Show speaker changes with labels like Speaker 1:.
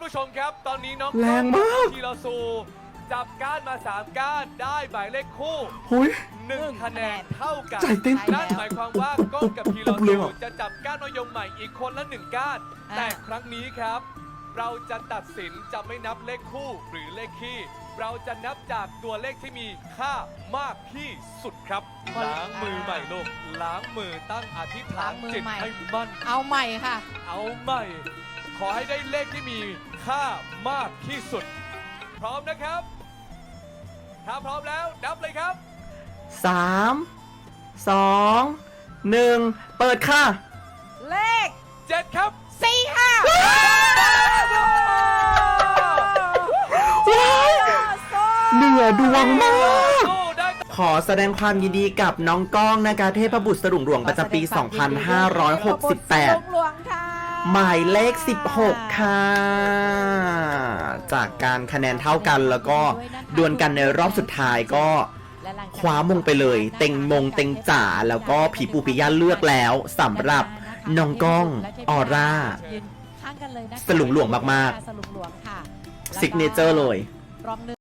Speaker 1: ผู้ชมครับตอนนี้น้อง
Speaker 2: แรงมาก
Speaker 1: ทีละซูจับก้านมา3ก้านได้หมายเลขคู่
Speaker 2: หุย
Speaker 1: 1 คะแนนเท่ากัน
Speaker 2: ใจเต้น
Speaker 1: นั่นหมายความว่าก้องกับทีละ
Speaker 2: เลย
Speaker 1: ซู
Speaker 2: เหรอ
Speaker 1: จะจับก้านมะยมใหม่อีกคนละ1ก้าน แต่ครั้งนี้ครับ เราจะตัดสินจะไม่นับเลขคู่หรือเลขคี่เราจะนับจากตัวเลขที่มีค่ามากที่สุดครับล้างมือใหม่ลูกล้างมือตั้งอธิษฐานจิตให้มั่น
Speaker 3: เอาใหม่ค่ะ
Speaker 1: เอาใหม่ ขอให้ได้เลขที่มีค่ามากที่สุด พร้อมนะครับ ถ้าพร้อมแล้วนับเลยครับ
Speaker 2: 3 2 1 เปิดค่ะ
Speaker 3: เลข
Speaker 1: 7 ครับ
Speaker 3: 4 ค่ะ
Speaker 2: เหนือดวงมาก
Speaker 1: สู้ได้
Speaker 2: ขอแสดงความยินดีกับน้องก้องนะคะเทพบุตรสลุงหลวงประจำปี
Speaker 3: หลวงค่ะ
Speaker 2: 2568 หมายเลข 16 ค่ะ จากการคะแนนเท่ากันแล้วก็ดวลกันในรอบสุดท้ายก็คว้ามงไปเลย เต็งมงเต็งจ๋าแล้วก็ผีปูปิยะเลือกแล้วสำหรับน้องก้องออร่า
Speaker 3: ยืนข้างกันเลยนะคะ
Speaker 2: สลุงหลวงมากๆ
Speaker 3: สลุงหลวงค่ะ
Speaker 2: ซิกเนเจอร์เลย
Speaker 3: รองหนึ่ง